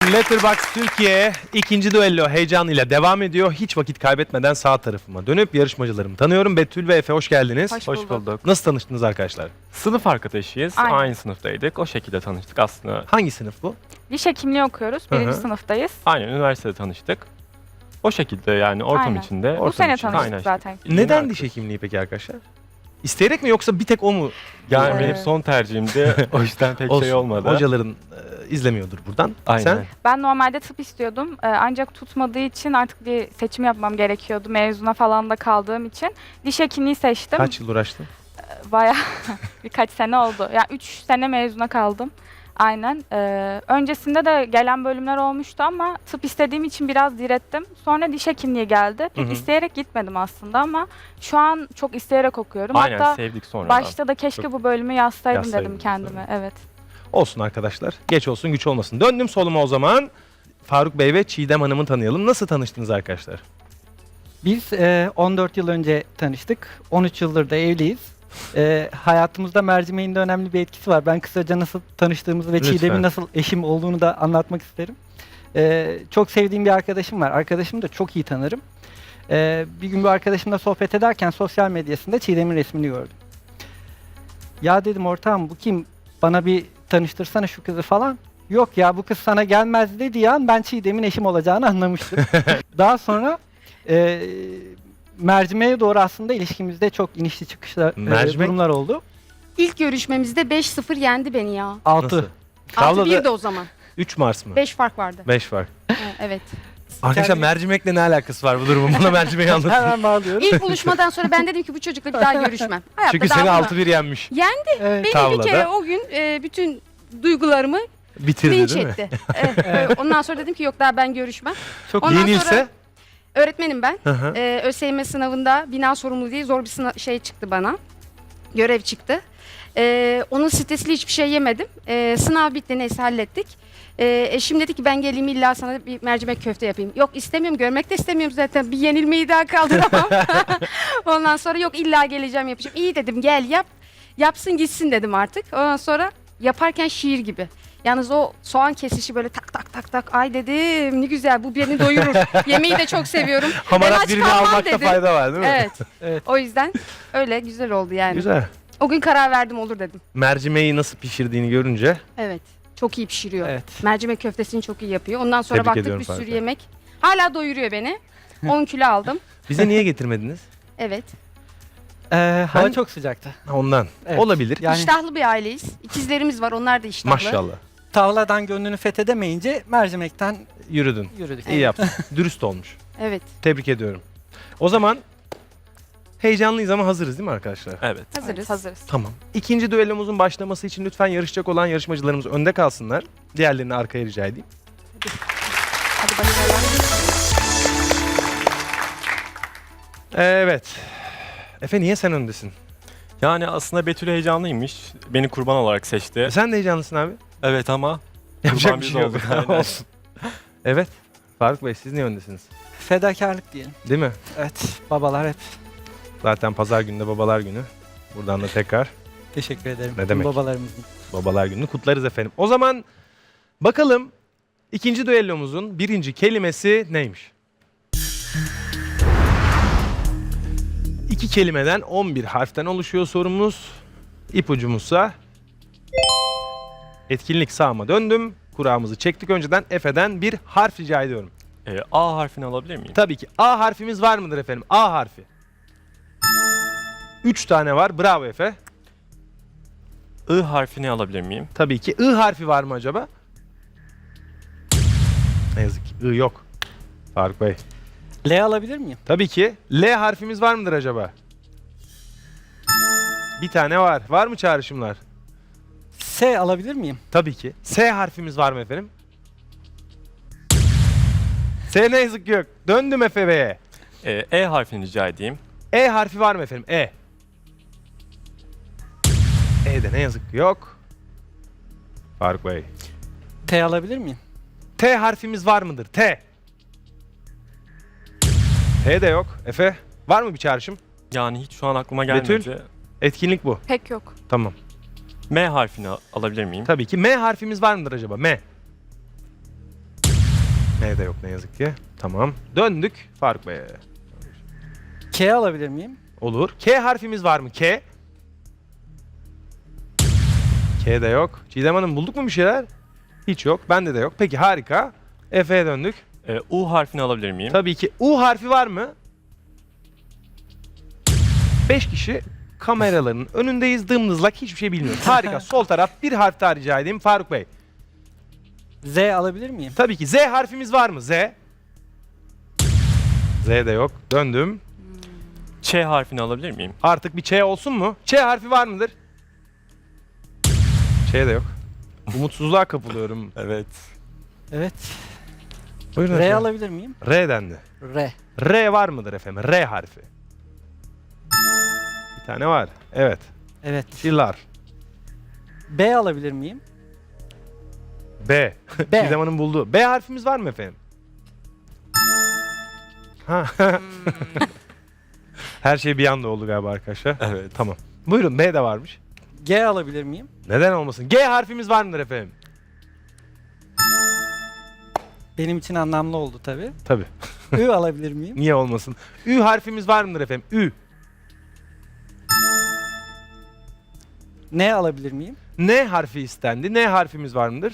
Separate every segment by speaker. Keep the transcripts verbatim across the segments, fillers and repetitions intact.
Speaker 1: Letterboxd Türkiye ikinci düello heyecanıyla devam ediyor. Hiç vakit kaybetmeden sağ tarafıma dönüp yarışmacılarımı tanıyorum. Betül ve Efe hoş geldiniz.
Speaker 2: Hoş
Speaker 3: Hoş
Speaker 2: bulduk.
Speaker 3: bulduk.
Speaker 1: Nasıl tanıştınız arkadaşlar?
Speaker 3: Sınıf arkadaşıyız.
Speaker 2: Aynen.
Speaker 3: Aynı sınıftaydık. O şekilde tanıştık aslında.
Speaker 1: Hangi sınıf bu?
Speaker 2: Diş hekimliği okuyoruz.
Speaker 1: Hı hı.
Speaker 2: Birinci sınıftayız.
Speaker 3: Aynen üniversitede tanıştık. O şekilde yani ortam
Speaker 2: Aynen.
Speaker 3: içinde.
Speaker 1: Ortam
Speaker 2: Bu sene
Speaker 1: için
Speaker 2: tanıştık
Speaker 3: kaynaştık.
Speaker 2: zaten.
Speaker 1: Neden
Speaker 3: Yeni
Speaker 1: diş hekimliği peki arkadaşlar? İsteyerek mi yoksa bir tek o mu?
Speaker 3: Yani
Speaker 2: Ee,
Speaker 3: benim son tercihimdi. O yüzden pek
Speaker 1: Olsun.
Speaker 3: şey olmadı.
Speaker 1: Hocaların e, izlemiyordur buradan.
Speaker 3: Aynen.
Speaker 1: Sen?
Speaker 2: Ben normalde tıp istiyordum. Ee, ancak tutmadığı için artık bir seçim yapmam gerekiyordu. Mezuna falan da kaldığım için. Diş hekimliği seçtim.
Speaker 1: Kaç yıl uğraştın?
Speaker 2: Bayağı birkaç sene oldu. Yani üç sene mezuna kaldım. Aynen. Ee, öncesinde de gelen bölümler olmuştu ama tıp istediğim için biraz direttim. Sonra diş hekimliği geldi. Pek
Speaker 1: Hı hı.
Speaker 2: isteyerek gitmedim aslında ama şu an çok isteyerek okuyorum.
Speaker 3: Aynen
Speaker 2: Hatta
Speaker 3: sevdik sonradan.
Speaker 2: başta da keşke
Speaker 1: Çok-
Speaker 2: bu bölümü yazsaydım
Speaker 1: Yazsaydınız,
Speaker 2: dedim kendime. Evet.
Speaker 1: Olsun arkadaşlar. Geç olsun güç olmasın. Döndüm soluma o zaman. Faruk Bey ve Çiğdem Hanım'ı tanıyalım. Nasıl tanıştınız arkadaşlar?
Speaker 4: Biz e, on dört yıl önce tanıştık. on üç yıldır da evliyiz. E, hayatımızda mercimeğin de önemli bir etkisi var. Ben kısaca nasıl tanıştığımızı ve
Speaker 1: Lütfen.
Speaker 4: Çiğdem'in nasıl eşim olduğunu da anlatmak isterim. E, çok sevdiğim bir arkadaşım var. Arkadaşımı da çok iyi tanırım. E, bir gün bir arkadaşımla sohbet ederken sosyal medyasında Çiğdem'in resmini gördüm. Ya dedim ortağım bu kim? Bana bir tanıştırsana şu kızı falan. Yok ya bu kız sana gelmez dediği an ben Çiğdem'in eşim olacağını anlamıştım. Daha sonra e, mercimeğe doğru aslında ilişkimizde çok inişli çıkışlı e,
Speaker 1: Mercimek-
Speaker 4: durumlar oldu.
Speaker 5: İlk görüşmemizde beş sıfır yendi beni ya.
Speaker 4: altı.
Speaker 1: Nasıl?
Speaker 5: altı
Speaker 1: Tavlada
Speaker 5: bir de o zaman.
Speaker 1: üç Mars mı?
Speaker 5: beş fark vardı.
Speaker 1: beş var.
Speaker 5: Ha, evet.
Speaker 1: Arkadaşlar
Speaker 4: Kendi-
Speaker 1: mercimekle ne alakası var bu durumun? Bana mercimeği anlatın.
Speaker 4: Hemen bağlıyorum.
Speaker 5: İlk buluşmadan sonra ben dedim ki bu çocukla bir daha görüşmem. Hayatta
Speaker 1: Çünkü
Speaker 5: daha
Speaker 1: seni
Speaker 5: bunu-
Speaker 1: altı bir yenmiş.
Speaker 4: Evet.
Speaker 5: Beni
Speaker 1: Tavlada.
Speaker 5: bir kere o gün e, bütün duygularımı
Speaker 1: Bitirdi
Speaker 5: linç
Speaker 1: değil mi?
Speaker 5: etti. Evet, e, ondan sonra dedim ki yok daha ben görüşmem.
Speaker 4: Çok
Speaker 5: Ondan
Speaker 1: Yenilse?
Speaker 5: sonra öğretmenim ben.
Speaker 1: Hı hı.
Speaker 5: E, ÖSYM sınavında bina sorumluluğu diye zor bir sınav şey çıktı bana. Görev çıktı. E, onun stresiyle hiçbir şey yemedim. E, sınav bitti neyse hallettik. E, eşim dedi ki ben geleyim illa sana bir mercimek köfte yapayım. Yok istemiyorum görmek de istemiyorum zaten. Bir yenilmeyi daha kaldıramam. Ondan sonra yok illa geleceğim yapacağım. İyi dedim gel yap. Yapsın gitsin dedim artık. Ondan sonra yaparken şiir gibi. Yalnız o soğan kesişi böyle tak tak tak tak. Ay dedim ne güzel bu beni doyurur. Yemeği de çok seviyorum. Ben
Speaker 1: Hamarat
Speaker 5: aç
Speaker 1: birini
Speaker 5: kalmam
Speaker 1: almakta
Speaker 5: dedim.
Speaker 1: fayda var değil mi?
Speaker 5: Evet.
Speaker 4: Evet.
Speaker 5: O yüzden öyle güzel oldu yani.
Speaker 1: Güzel.
Speaker 5: O gün karar verdim olur dedim.
Speaker 1: Mercimeği nasıl pişirdiğini görünce
Speaker 5: Evet. Çok iyi pişiriyor.
Speaker 4: Evet.
Speaker 5: Mercimek köftesini çok iyi yapıyor. Ondan sonra
Speaker 1: Tebrik
Speaker 5: baktık
Speaker 1: ediyorum
Speaker 5: bir sürü
Speaker 1: Faruk.
Speaker 5: yemek. Hala doyuruyor beni. on kilo aldım.
Speaker 1: bize niye getirmediniz?
Speaker 5: Evet.
Speaker 4: E, hava
Speaker 1: Ben-
Speaker 4: çok sıcaktı.
Speaker 1: Ondan.
Speaker 4: Evet.
Speaker 1: Olabilir.
Speaker 4: Yani
Speaker 5: İştahlı bir aileyiz. İkizlerimiz var. Onlar da iştahlı.
Speaker 1: Maşallah.
Speaker 4: tavladan gönlünü fethedemeyince mercimekten
Speaker 1: Yürüdün.
Speaker 4: yürüdük.
Speaker 1: İyi yaptın. Dürüst olmuş.
Speaker 5: Evet.
Speaker 1: Tebrik ediyorum. O zaman heyecanlıyız ama hazırız değil mi arkadaşlar?
Speaker 3: Evet.
Speaker 5: Hazırız.
Speaker 2: Evet, hazırız.
Speaker 1: Tamam. İkinci düellomuzun başlaması için lütfen yarışacak olan yarışmacılarımız önde kalsınlar. Diğerlerini arkaya rica edeyim.
Speaker 2: Hadi başlayalım.
Speaker 1: Evet. Efe niye sen öndesin?
Speaker 3: Yani aslında Betül heyecanlıymış. Beni kurban olarak seçti.
Speaker 1: Sen de heyecanlısın abi.
Speaker 3: Evet ama
Speaker 1: Yapacak
Speaker 3: kurban
Speaker 1: bir
Speaker 3: biz
Speaker 1: şey yok.
Speaker 3: olduk. Aynen.
Speaker 1: Olsun. Evet. Faruk Bey siz niye öndesiniz?
Speaker 4: Fedakarlık diyelim.
Speaker 1: Değil mi?
Speaker 4: Evet. Babalar hep.
Speaker 1: Zaten pazar günü babalar günü. Buradan da tekrar
Speaker 4: Teşekkür ederim.
Speaker 1: Ne
Speaker 4: Tüm
Speaker 1: demek?
Speaker 4: Babalarımızın.
Speaker 1: babalar gününü kutlarız efendim. O zaman bakalım ikinci düellomuzun birinci kelimesi neymiş? İki kelimeden on bir harften oluşuyor sorumuz. İpucumuzsa etkinlik sağıma döndüm. Kurağımızı çektik önceden. Efe'den bir harf rica ediyorum.
Speaker 3: Ee, A harfini alabilir miyim?
Speaker 1: Tabii ki. A harfimiz var mıdır efendim? A harfi. Üç tane var. Bravo Efe.
Speaker 3: I harfini alabilir miyim?
Speaker 1: Tabii ki. I harfi var mı acaba? Ne yazık ki. I yok. Faruk Bey.
Speaker 4: L alabilir miyim?
Speaker 1: Tabii ki. L harfimiz var mıdır acaba? Bir tane var. Var mı çağrışımlar?
Speaker 4: S alabilir miyim?
Speaker 1: Tabii ki. S harfimiz var mı efendim? S ne yazık ki yok. Döndüm Efe Bey'e.
Speaker 3: Ee, E harfini rica edeyim.
Speaker 1: E harfi var mı efendim? E. E de ne yazık ki yok. Faruk Bey.
Speaker 4: T alabilir miyim?
Speaker 1: T harfimiz var mıdır? T. T de yok. Efe, var mı bir çağrışım?
Speaker 3: Yani hiç şu an aklıma gelmedi.
Speaker 1: Betül? Etkinlik bu.
Speaker 2: Pek yok.
Speaker 1: Tamam.
Speaker 3: M harfini al- alabilir miyim?
Speaker 1: Tabii ki. M harfimiz var mıdır acaba? M. N de yok ne yazık ki. Tamam. Döndük Faruk Bey'e.
Speaker 4: K alabilir miyim?
Speaker 1: Olur. K harfimiz var mı? K. K de yok. Çiğdem Hanım bulduk mu bir şeyler? Hiç yok. Bende de yok. Peki harika. Efe'ye döndük.
Speaker 3: Ee, U harfini alabilir miyim?
Speaker 1: Tabii ki. U harfi var mı? Beş kişi kameraların önündeyiz. Dımdızlak hiçbir şey bilmiyoruz. Harika. Sol taraf bir harf daha rica edeyim. Faruk Bey.
Speaker 4: Z alabilir miyim?
Speaker 1: Tabii ki. Z harfimiz var mı? Z. Z de yok. Döndüm.
Speaker 3: Ç harfini alabilir miyim?
Speaker 1: Artık bir Ç olsun mu? Ç harfi var mıdır? Ç de yok. Umutsuzluğa kapılıyorum.
Speaker 3: Evet.
Speaker 4: Evet.
Speaker 1: Buyurun
Speaker 4: R
Speaker 1: efendim.
Speaker 4: alabilir miyim?
Speaker 1: R dendi.
Speaker 4: R.
Speaker 1: R var mıdır efendim? R harfi. Bir tane var. Evet.
Speaker 4: Evet.
Speaker 1: Şillar.
Speaker 4: B alabilir miyim?
Speaker 1: B.
Speaker 4: B.
Speaker 1: Çiğdem Hanım buldu. B harfimiz var mı efendim? Ha. Her şey bir anda oldu galiba arkadaşlar.
Speaker 3: Evet.
Speaker 1: Tamam. Buyurun B de varmış.
Speaker 4: G alabilir miyim?
Speaker 1: Neden olmasın? G harfimiz var mıdır efendim?
Speaker 4: Benim için anlamlı oldu tabii.
Speaker 1: Tabii.
Speaker 4: Ü alabilir miyim?
Speaker 1: Niye olmasın? Ü harfimiz var mıdır efendim? Ü.
Speaker 4: N alabilir miyim?
Speaker 1: N harfi istendi. N harfimiz var mıdır?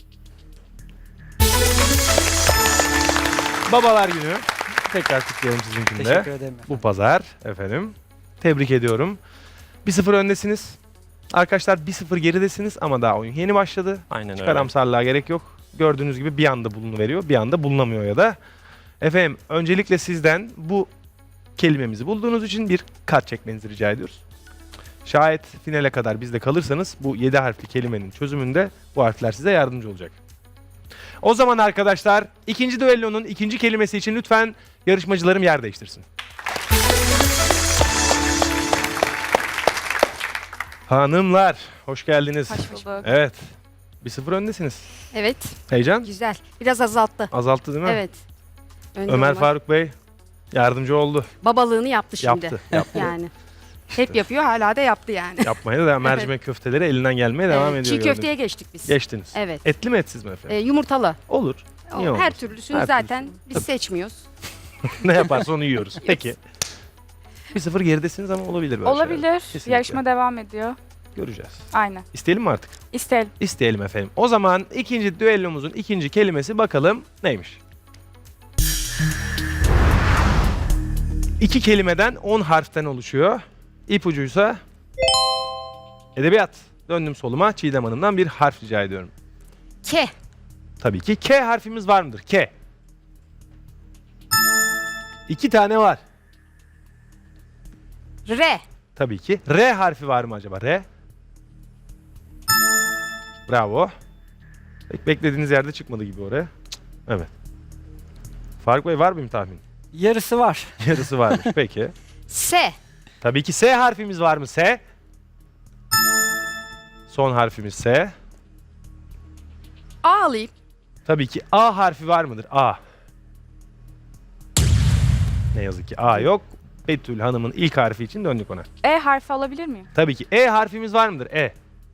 Speaker 1: Babalar günü. Tekrar kutlayalım sizinkini de.
Speaker 4: Teşekkür ederim.
Speaker 1: Bu pazar efendim. Tebrik ediyorum. bir sıfır öndesiniz. Arkadaşlar bir sıfır geridesiniz ama daha oyun yeni başladı.
Speaker 3: Aynen
Speaker 1: Hiç
Speaker 3: öyle.
Speaker 1: karamsarlığa gerek yok. Gördüğünüz gibi bir anda bulunuveriyor, bir anda bulunamıyor ya da. Efendim öncelikle sizden bu kelimemizi bulduğunuz için bir kart çekmenizi rica ediyoruz. Şayet finale kadar bizde kalırsanız bu yedi harfli kelimenin çözümünde bu harfler size yardımcı olacak. O zaman arkadaşlar ikinci düellonun ikinci kelimesi için lütfen yarışmacılarım yer değiştirsin. Hanımlar hoş geldiniz.
Speaker 2: Hoş bulduk.
Speaker 1: Evet. bir sıfır öndesiniz.
Speaker 5: Evet.
Speaker 1: Heyecan
Speaker 5: Güzel. Biraz azalttı.
Speaker 1: azalttı değil mi?
Speaker 5: Evet. Önde
Speaker 1: Ömer
Speaker 5: olmak.
Speaker 1: Faruk Bey yardımcı oldu.
Speaker 5: Babalığını yaptı şimdi.
Speaker 1: Yaptı. Yaptı.
Speaker 5: Yani. Hep yapıyor, hala da yaptı yani.
Speaker 1: Yapmaya da devam. Mercimek köfteleri elinden gelmeye devam
Speaker 5: Evet,
Speaker 1: ediyor.
Speaker 5: Çiğ köfteye geçtik biz.
Speaker 1: gördüğünüz. Geçtiniz.
Speaker 5: Evet.
Speaker 1: Etli mi etsiz mi
Speaker 5: Ee,
Speaker 1: efendim?
Speaker 5: yumurtalı.
Speaker 1: Olur.
Speaker 5: O,
Speaker 1: Niye
Speaker 5: her
Speaker 1: olmasın?
Speaker 5: türlüsünü
Speaker 1: Her
Speaker 5: zaten
Speaker 1: türlüsünü.
Speaker 5: biz
Speaker 1: Tabii.
Speaker 5: seçmiyoruz.
Speaker 1: Ne yaparsa onu yiyoruz. Peki. bir sıfır geridesiniz ama olabilir böyle
Speaker 2: Olabilir.
Speaker 1: şeyler. Kesinlikle.
Speaker 2: Yarışma devam ediyor.
Speaker 1: Göreceğiz.
Speaker 2: Aynen.
Speaker 1: İsteyelim mi artık?
Speaker 2: İsteyelim.
Speaker 1: İsteyelim efendim. O zaman ikinci düellomuzun ikinci kelimesi bakalım neymiş? İki kelimeden on harften oluşuyor. İpucuysa edebiyat. Döndüm soluma. Çiğdem Hanım'dan bir harf rica ediyorum.
Speaker 5: K.
Speaker 1: Tabii ki K harfimiz var mıdır? K. İki tane var.
Speaker 5: R.
Speaker 1: Tabii ki. R harfi var mı acaba? R. Bravo. Pek beklediğiniz yerde çıkmadı gibi oraya. Cık, evet. Faruk Bey var mı bir tahmin?
Speaker 4: Yarısı var.
Speaker 1: Yarısı varmış. Peki.
Speaker 5: S.
Speaker 1: Tabii ki S harfimiz var mı? S. Son harfimiz S.
Speaker 5: A alayım.
Speaker 1: Tabii ki A harfi var mıdır? A. Ne yazık ki A yok. Betül Hanım'ın ilk harfi için döndük ona.
Speaker 2: E harfi alabilir miyim?
Speaker 1: Tabii ki E harfimiz var mıdır? E.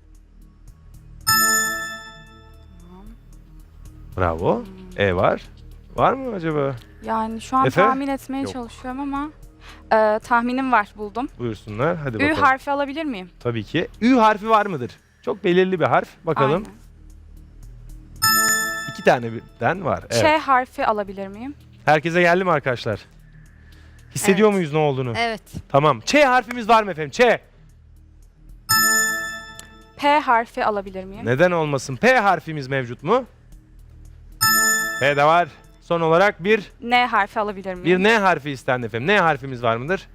Speaker 1: Bravo. E var. Var mı acaba?
Speaker 2: Yani şu an
Speaker 1: Efe?
Speaker 2: tahmin etmeye
Speaker 1: Yok.
Speaker 2: çalışıyorum ama e, tahminim var, buldum.
Speaker 1: Buyursunlar. Hadi
Speaker 2: Ü
Speaker 1: bakalım.
Speaker 2: harfi alabilir miyim?
Speaker 1: Tabii ki. Ü harfi var mıdır? Çok belirli bir harf. Bakalım.
Speaker 2: Aynen.
Speaker 1: İki tane birden var. Evet.
Speaker 2: Ç harfi alabilir miyim?
Speaker 1: Herkese geldi mi arkadaşlar? Hissediyor
Speaker 5: Evet.
Speaker 1: muyuz ne olduğunu?
Speaker 5: Evet.
Speaker 1: Tamam. Ç harfimiz var mı efendim? Ç.
Speaker 2: P harfi alabilir miyim?
Speaker 1: Neden olmasın? P harfimiz mevcut mu? P de var. Son olarak bir
Speaker 2: N harfi alabilir miyim?
Speaker 1: bir N harfi istendi efendim. N harfimiz var mıdır?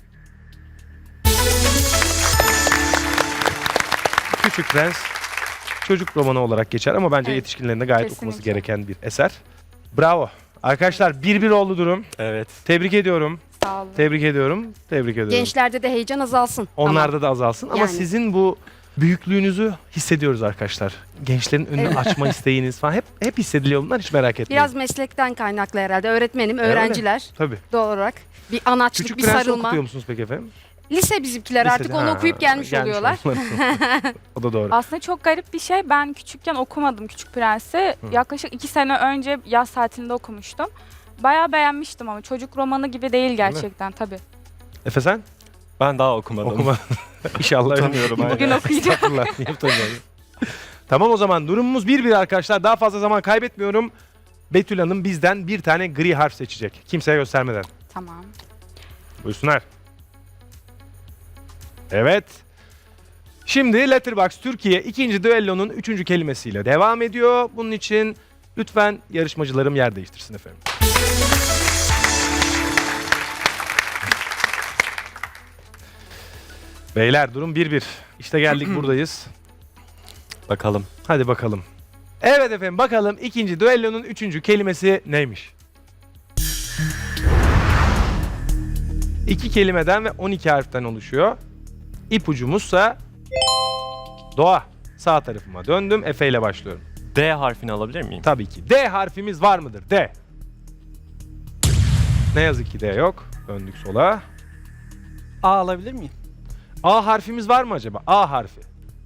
Speaker 1: Küçük Prens çocuk romanı olarak geçer ama bence
Speaker 5: Evet.
Speaker 1: yetişkinlerin de gayet
Speaker 2: Kesinlikle.
Speaker 1: okuması gereken bir eser. Bravo. Arkadaşlar bir bir oldu durum.
Speaker 3: Evet.
Speaker 1: Tebrik ediyorum.
Speaker 2: Sağ olun.
Speaker 1: Tebrik ediyorum. Tebrik ediyorum.
Speaker 5: Gençlerde de heyecan azalsın.
Speaker 1: Onlarda da azalsın ama
Speaker 5: Yani.
Speaker 1: sizin bu büyüklüğünüzü hissediyoruz arkadaşlar. Gençlerin önünü
Speaker 5: Evet.
Speaker 1: açma isteğiniz falan hep hep hissediliyor bunlar, hiç merak etmeyin.
Speaker 5: Biraz meslekten kaynaklı herhalde. Öğretmenim,
Speaker 1: öyle.
Speaker 5: öğrenciler
Speaker 1: Tabii.
Speaker 5: doğal olarak. Bir anaçlık,
Speaker 1: Küçük
Speaker 5: bir
Speaker 1: Prens'i
Speaker 5: sarılma.
Speaker 1: okutuyor musunuz peki efendim?
Speaker 5: Lise bizimkiler artık
Speaker 1: Lisede-
Speaker 5: onu
Speaker 1: Ha,
Speaker 5: okuyup gelmiş, oluyorlar.
Speaker 1: olmalı. O da doğru.
Speaker 2: Aslında çok garip bir şey. Ben küçükken okumadım Küçük Prens'i.
Speaker 1: Hı.
Speaker 2: Yaklaşık iki sene önce yaz tatilinde okumuştum. Bayağı beğenmiştim ama çocuk romanı gibi değil gerçekten tabii.
Speaker 1: Efe sen?
Speaker 3: Ben daha okumadım.
Speaker 1: Okuma. İnşallah
Speaker 3: Utanıyorum,
Speaker 1: öyle-
Speaker 2: Bugün okuyacağım.
Speaker 1: Estağfurullah, niye utanıyorsun? Tamam o zaman durumumuz bir bir arkadaşlar. Daha fazla zaman kaybetmiyorum. Betül Hanım bizden bir tane gri harf seçecek. Kimseye göstermeden.
Speaker 2: Tamam.
Speaker 1: Buyursunlar. Evet. Şimdi Letterboxd Türkiye ikinci düellonun üçüncü kelimesiyle devam ediyor. Bunun için lütfen yarışmacılarım yer değiştirsin efendim. Beyler durum bir bir. İşte geldik buradayız.
Speaker 3: Bakalım.
Speaker 1: Hadi bakalım. Evet efendim bakalım ikinci düellonun üçüncü kelimesi neymiş? İki kelimeden ve on iki harften oluşuyor. İpucumuzsa doğa. Sağ tarafıma döndüm. Efe ile başlıyorum.
Speaker 3: D harfini alabilir miyim?
Speaker 1: Tabii ki. D harfimiz var mıdır? D. Ne yazık ki D yok. Döndük sola.
Speaker 4: A alabilir miyim?
Speaker 1: A harfimiz var mı acaba? A harfi.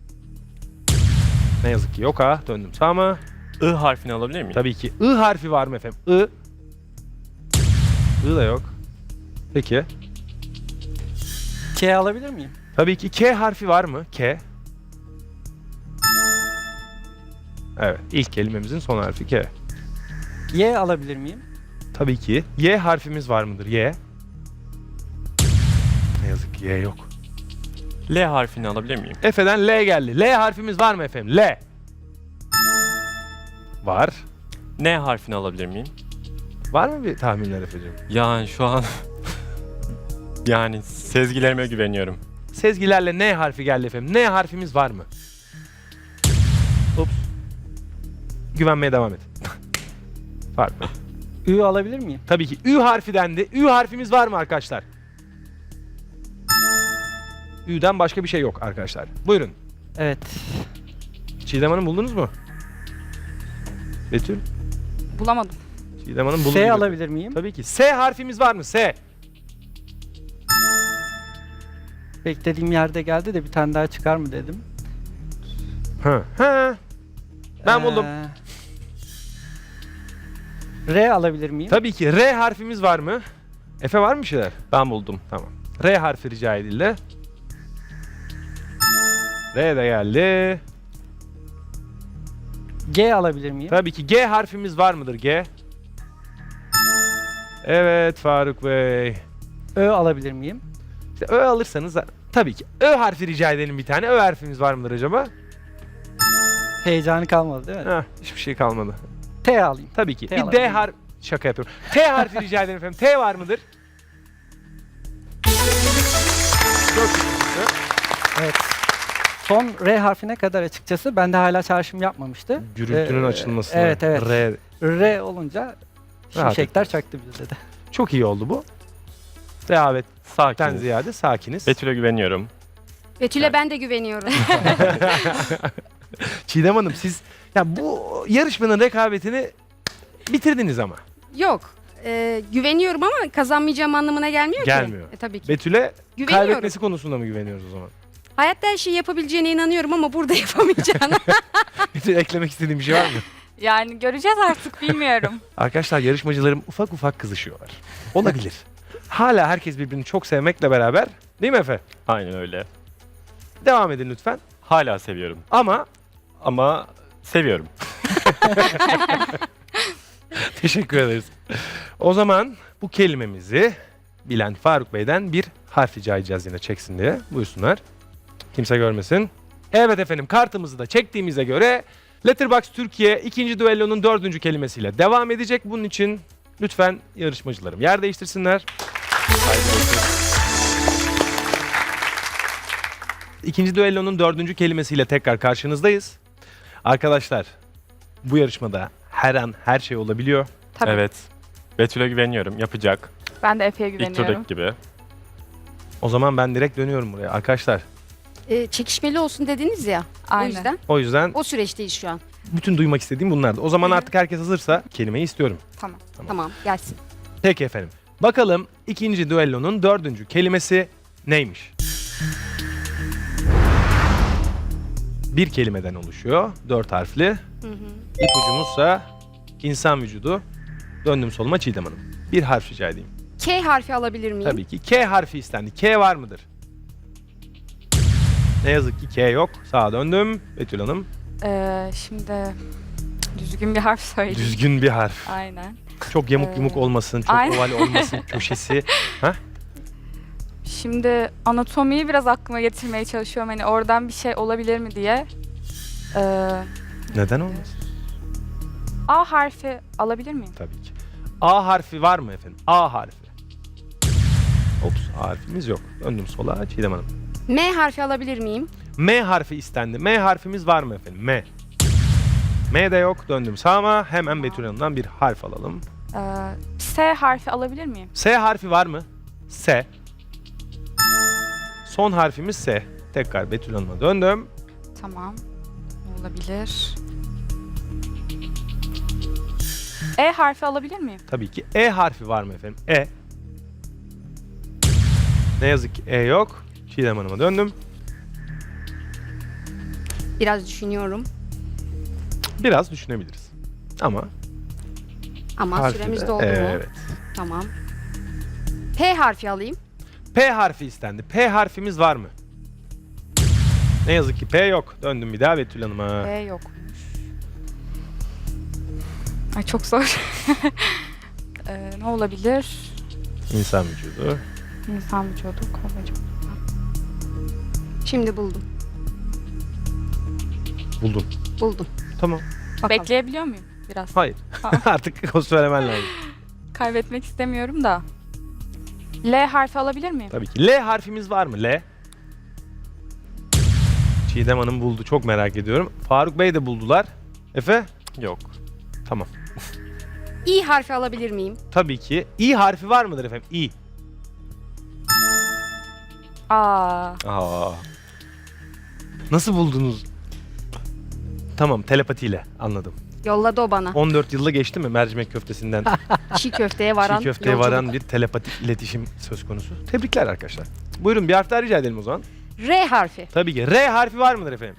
Speaker 1: Ne yazık ki yok A. Döndüm sağa mı?
Speaker 3: I harfini alabilir miyim?
Speaker 1: Tabii ki. I harfi var mı efendim? I. I da yok. Peki.
Speaker 4: K alabilir miyim?
Speaker 1: Tabii ki K harfi var mı? K. Evet. İlk kelimemizin son harfi K.
Speaker 4: Y alabilir miyim?
Speaker 1: Tabii ki. Y harfimiz var mıdır? Y. Ne yazık ki Y yok.
Speaker 3: L harfini alabilir miyim?
Speaker 1: Efe'den L geldi. L harfimiz var mı efendim? L. Var.
Speaker 3: N harfini alabilir miyim?
Speaker 1: Var mı bir tahminler Efe'cim?
Speaker 3: Yani şu an yani sezgilerime güveniyorum.
Speaker 1: Sezgilerle N harfi geldi efendim. N harfimiz var mı? Ups. Güvenmeye devam et. Farklı.
Speaker 4: Ü alabilir miyim?
Speaker 1: Tabii ki. Ü harfi dendi. Ü harfimiz var mı arkadaşlar? Ü'den başka bir şey yok arkadaşlar. Buyurun.
Speaker 4: Evet.
Speaker 1: Çiğdem Hanım buldunuz mu? Betül?
Speaker 2: Bulamadım.
Speaker 1: Çiğdem Hanım buldu.
Speaker 4: S
Speaker 1: gibi.
Speaker 4: alabilir miyim?
Speaker 1: Tabii ki. S harfimiz var mı? S.
Speaker 4: Beklediğim yerde geldi de bir tane daha çıkar mı dedim.
Speaker 1: Hı. Hı. Ben buldum.
Speaker 4: Ee, R alabilir miyim?
Speaker 1: Tabii ki. R harfimiz var mı? Efe var mı bir şeyler?
Speaker 3: Ben buldum.
Speaker 1: Tamam. R harfi rica edildi. R de geldi.
Speaker 4: G alabilir miyim?
Speaker 1: Tabii ki. G harfimiz var mıdır? G. Evet Faruk Bey.
Speaker 4: Ö alabilir miyim?
Speaker 1: İşte Ö alırsanız da- tabii ki. Ö harfi rica edelim bir tane. Ö harfimiz var mıdır acaba?
Speaker 4: Heyecanı kalmadı değil mi?
Speaker 1: Heh, hiçbir şey kalmadı.
Speaker 4: T alayım.
Speaker 1: Tabii ki.
Speaker 4: T
Speaker 1: bir
Speaker 4: alabilir
Speaker 1: D
Speaker 4: miyim?
Speaker 1: harf şaka yapıyorum. T harfi rica edelim efendim. T var mıdır? Çok güzel.
Speaker 4: Evet. Son R harfine kadar açıkçası bende hala çağrışım yapmamıştı.
Speaker 1: Gürültünün
Speaker 4: Ee,
Speaker 1: açılmasına.
Speaker 4: Evet evet.
Speaker 1: R.
Speaker 4: R olunca
Speaker 1: Rahat
Speaker 4: şimşekler çaktı bizde de.
Speaker 1: Çok iyi oldu bu. Rehavetten
Speaker 3: Sakin.
Speaker 1: ziyade sakiniz.
Speaker 3: Betül'e güveniyorum.
Speaker 5: Betül'e ben de güveniyorum.
Speaker 1: Çiğdem Hanım siz ya bu yarışmanın rekabetini bitirdiniz ama.
Speaker 5: Yok. Ee, güveniyorum ama kazanmayacağım anlamına gelmiyor,
Speaker 1: Gelmiyor.
Speaker 5: ki. E, tabii ki.
Speaker 1: Betül'e
Speaker 5: Güveniyorum.
Speaker 1: kaybetmesi konusunda mı güveniyoruz o zaman?
Speaker 5: Hayatta her şeyi yapabileceğine inanıyorum ama burada yapamayacağına.
Speaker 1: Betül eklemek istediğin bir şey var mı?
Speaker 2: Yani göreceğiz artık bilmiyorum.
Speaker 1: Arkadaşlar yarışmacılarım ufak ufak kızışıyorlar. Olabilir. Hala herkes birbirini çok sevmekle beraber değil mi Efe?
Speaker 3: Aynen öyle.
Speaker 1: Devam edin lütfen.
Speaker 3: Hala seviyorum.
Speaker 1: Ama
Speaker 3: Ama seviyorum.
Speaker 1: teşekkür ederiz. O zaman bu kelimemizi bilen Faruk Bey'den bir harf rica edeceğiz yine çeksin diye. Buyursunlar. Kimse görmesin. Evet efendim kartımızı da çektiğimize göre Letterboxd Türkiye ikinci düellonun dördüncü kelimesiyle devam edecek. Bunun için lütfen yarışmacılarım yer değiştirsinler. İkinci düellonun dördüncü kelimesiyle tekrar karşınızdayız. Arkadaşlar bu yarışmada her an her şey olabiliyor.
Speaker 2: Tabii.
Speaker 3: Evet. Betül'e güveniyorum. Yapacak.
Speaker 2: Ben de Efe'ye
Speaker 3: İlk
Speaker 2: güveniyorum.
Speaker 3: turdaki gibi.
Speaker 1: O zaman ben direkt dönüyorum buraya. Arkadaşlar
Speaker 5: Ee, çekişmeli olsun dediniz ya.
Speaker 2: Aynen.
Speaker 5: O yüzden
Speaker 1: o yüzden
Speaker 5: o süreçteyiz şu an.
Speaker 1: bütün duymak istediğim bunlardı. O zaman
Speaker 5: Hı hı.
Speaker 1: artık herkes hazırsa kelimeyi istiyorum.
Speaker 2: Tamam.
Speaker 5: Tamam gelsin.
Speaker 1: Peki efendim. Bakalım ikinci düellonun dördüncü kelimesi neymiş? Bir kelimeden oluşuyor. Dört harfli.
Speaker 5: Hı hı.
Speaker 1: İpucumuzsa insan vücudu. Döndüm soluma Çiğdem Hanım. Bir harf rica edeyim.
Speaker 5: K harfi alabilir miyim?
Speaker 1: Tabii ki K harfi istendi. K var mıdır? Ne yazık ki K yok. Sağa döndüm. Betül Hanım.
Speaker 2: Ee, şimdi düzgün bir harf söyleyeyim.
Speaker 1: Düzgün bir harf.
Speaker 2: Aynen.
Speaker 1: Çok yamuk
Speaker 2: Ee,
Speaker 1: yumuk olmasın, çok
Speaker 2: aynen.
Speaker 1: oval olmasın köşesi.
Speaker 2: Şimdi anatomiyi biraz aklıma getirmeye çalışıyorum. Hani oradan bir şey olabilir mi diye. Ee,
Speaker 1: Neden olmasın?
Speaker 2: A harfi alabilir miyim?
Speaker 1: Tabii ki. A harfi var mı efendim? A harfi. Ops, A harfimiz yok. Döndüm sola Çiğdem Hanım.
Speaker 5: M harfi alabilir miyim?
Speaker 1: M harfi istendi. M harfimiz var mı efendim? M. M de yok. Döndüm sağıma. Hemen Betül Hanım'dan bir harf alalım.
Speaker 2: Ee, S harfi alabilir miyim?
Speaker 1: S harfi var mı? S. Son harfimiz S. Tekrar Betül Hanım'a döndüm.
Speaker 2: Tamam. Ne olabilir? E harfi alabilir miyim?
Speaker 1: Tabii ki E harfi var mı efendim? E. Ne yazık ki E yok. Çiğdem Hanım'a döndüm.
Speaker 5: Biraz düşünüyorum.
Speaker 1: Biraz düşünebiliriz. Ama
Speaker 5: Ama
Speaker 1: harfi
Speaker 5: süremiz
Speaker 1: de-
Speaker 5: doldu mu?
Speaker 1: Evet.
Speaker 5: Tamam. P harfi alayım.
Speaker 1: P harfi istendi. P harfimiz var mı? Ne yazık ki P yok. Döndüm bir daha Betül Hanım'a.
Speaker 2: E yokmuş. Ay çok zor. Ee, ne olabilir?
Speaker 1: İnsan vücudu.
Speaker 2: İnsan vücudu, kol vücudu.
Speaker 5: Şimdi buldum.
Speaker 1: Buldum.
Speaker 5: Buldum.
Speaker 1: Tamam.
Speaker 5: Bakalım.
Speaker 2: Bekleyebiliyor muyum biraz?
Speaker 1: Hayır. Artık o söylemen lazım.
Speaker 2: Kaybetmek istemiyorum da. L harfi alabilir miyim?
Speaker 1: Tabii ki. L harfimiz var mı? L. Çiğdem Hanım buldu. Çok merak ediyorum. Faruk Bey de buldular. Efe?
Speaker 3: Yok.
Speaker 1: Tamam.
Speaker 5: İ harfi alabilir miyim?
Speaker 1: Tabii ki. İ harfi var mıdır efendim? İ.
Speaker 2: Aa,
Speaker 1: Aa. Nasıl buldunuz? Tamam, telepatiyle anladım.
Speaker 5: Yolladı o bana.
Speaker 1: on dört yılı geçti mi mercimek köftesinden
Speaker 5: Çiğ köfteye varan
Speaker 1: çiğ köfteye
Speaker 5: yolculuk.
Speaker 1: varan bir telepatik iletişim söz konusu. Tebrikler arkadaşlar. Buyurun bir harf daha rica edelim o zaman.
Speaker 5: R harfi.
Speaker 1: Tabii ki. R harfi var mıdır efendim?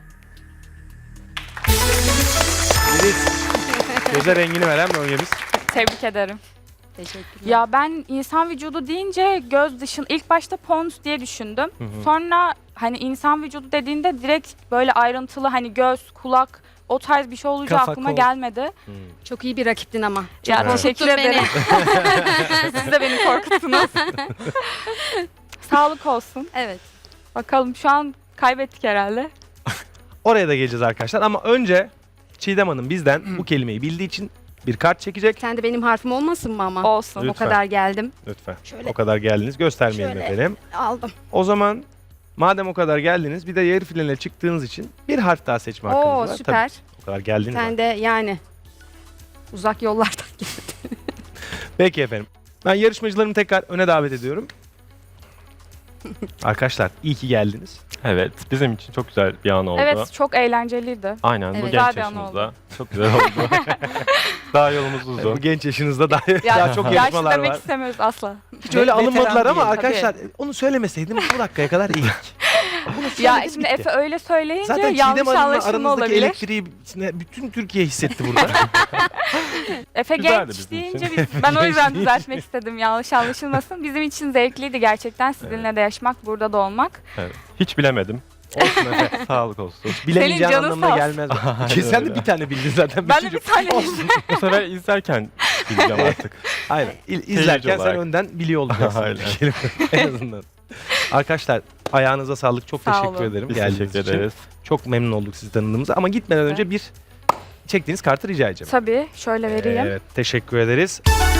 Speaker 1: Biriz. Göze rengini veren bölgemiz.
Speaker 2: tebrik ederim.
Speaker 5: Teşekkürler.
Speaker 2: Ya ben insan vücudu deyince göz dışın ilk başta pons diye düşündüm.
Speaker 1: Hı hı.
Speaker 2: Sonra hani insan vücudu dediğinde direkt böyle ayrıntılı hani göz, kulak o tarz bir şey olacağı
Speaker 4: Kafa,
Speaker 2: aklıma
Speaker 4: kol.
Speaker 2: gelmedi.
Speaker 1: Hmm.
Speaker 5: Çok iyi bir rakiptin ama. Çok
Speaker 2: Ya
Speaker 1: Evet.
Speaker 2: teşekkür
Speaker 5: korkuttun beni.
Speaker 2: ederim. Siz de beni korkuttunuz. Sağlık olsun.
Speaker 5: Evet.
Speaker 2: Bakalım şu an kaybettik herhalde.
Speaker 1: Oraya da geleceğiz arkadaşlar ama önce Çiğdem Hanım bizden bu kelimeyi bildiği için bir kart çekecek.
Speaker 5: Sen de benim harfim olmasın mı ama?
Speaker 2: Olsun.
Speaker 5: O
Speaker 1: Lütfen.
Speaker 5: kadar geldim.
Speaker 1: Lütfen.
Speaker 5: Şöyle.
Speaker 1: O kadar geldiniz. Göstermeyelim
Speaker 5: Şöyle.
Speaker 1: efendim.
Speaker 5: Aldım.
Speaker 1: O zaman madem o kadar geldiniz bir de yarı finale çıktığınız için bir harf daha seçme hakkınız
Speaker 5: Oo
Speaker 1: var.
Speaker 5: süper.
Speaker 1: Tabii, o kadar geldiniz.
Speaker 5: Sen
Speaker 1: ama.
Speaker 5: de yani uzak yollardan geldin.
Speaker 1: Peki efendim. Ben yarışmacılarımı tekrar öne davet ediyorum. Arkadaşlar iyi ki geldiniz.
Speaker 3: Evet. Bizim için çok güzel bir an oldu.
Speaker 2: Evet çok eğlenceliydi.
Speaker 3: Aynen. Bu
Speaker 5: Evet.
Speaker 3: genç
Speaker 2: Güzel bir an
Speaker 3: yaşımızda. Çok güzel oldu. Daha yolumuz
Speaker 1: Bu
Speaker 3: uzun.
Speaker 1: genç yaşınızda daha,
Speaker 2: Ya,
Speaker 1: daha çok
Speaker 2: yaşlı
Speaker 1: yarışmalar
Speaker 2: demek
Speaker 1: var.
Speaker 2: istemiyoruz asla.
Speaker 1: Hiç öyle
Speaker 4: Veteran
Speaker 1: alınmadılar ama
Speaker 4: değil,
Speaker 1: arkadaşlar onu söylemeseydim bu dakikaya kadar iyi. Bunu
Speaker 2: Ya
Speaker 1: söyledim,
Speaker 2: şimdi
Speaker 1: bitti.
Speaker 2: Efe öyle söyleyince
Speaker 1: Zaten Çiğdem
Speaker 2: yanlış
Speaker 1: Hanım'la
Speaker 2: anlaşılma
Speaker 1: aranızdaki
Speaker 2: olabilir.
Speaker 1: elektriği bütün Türkiye hissetti burada.
Speaker 2: Efe
Speaker 3: Güzeldi
Speaker 2: genç
Speaker 3: bizim
Speaker 2: deyince
Speaker 3: için.
Speaker 2: biz, ben o yüzden
Speaker 1: Genç
Speaker 2: düzeltmek istedim yanlış anlaşılmasın. Bizim için zevkliydi gerçekten sizinle de yaşamak, burada da olmak.
Speaker 3: Evet. Hiç bilemedim.
Speaker 1: Olsun Efe.
Speaker 3: Sağlık olsun.
Speaker 1: Bilemeyeceğin
Speaker 2: canın
Speaker 1: anlamına
Speaker 2: sağ
Speaker 1: gelmez.
Speaker 3: Aynen
Speaker 1: Ki sen de
Speaker 3: öyle.
Speaker 1: bir tane bildin zaten.
Speaker 2: Ben de
Speaker 1: Üçüncü-
Speaker 2: bir tane
Speaker 1: Olsun.
Speaker 3: Bu sefer izlerken bileceğim artık.
Speaker 1: Aynen. İl- İzlerken sen
Speaker 3: olarak.
Speaker 1: önden biliyor olacaksın.
Speaker 3: Aynen.
Speaker 1: bir kelime. En azından. Arkadaşlar ayağınıza sağlık. Çok
Speaker 2: Sağ
Speaker 1: teşekkür
Speaker 2: olun.
Speaker 1: ederim.
Speaker 3: Biz
Speaker 1: geldiğiniz
Speaker 3: teşekkür
Speaker 1: için.
Speaker 3: ederiz.
Speaker 1: Çok memnun olduk sizi tanıdığımıza. Ama gitmeden önce bir çektiğiniz kartı rica edeceğim.
Speaker 2: Tabii şöyle vereyim.
Speaker 1: Evet, teşekkür ederiz.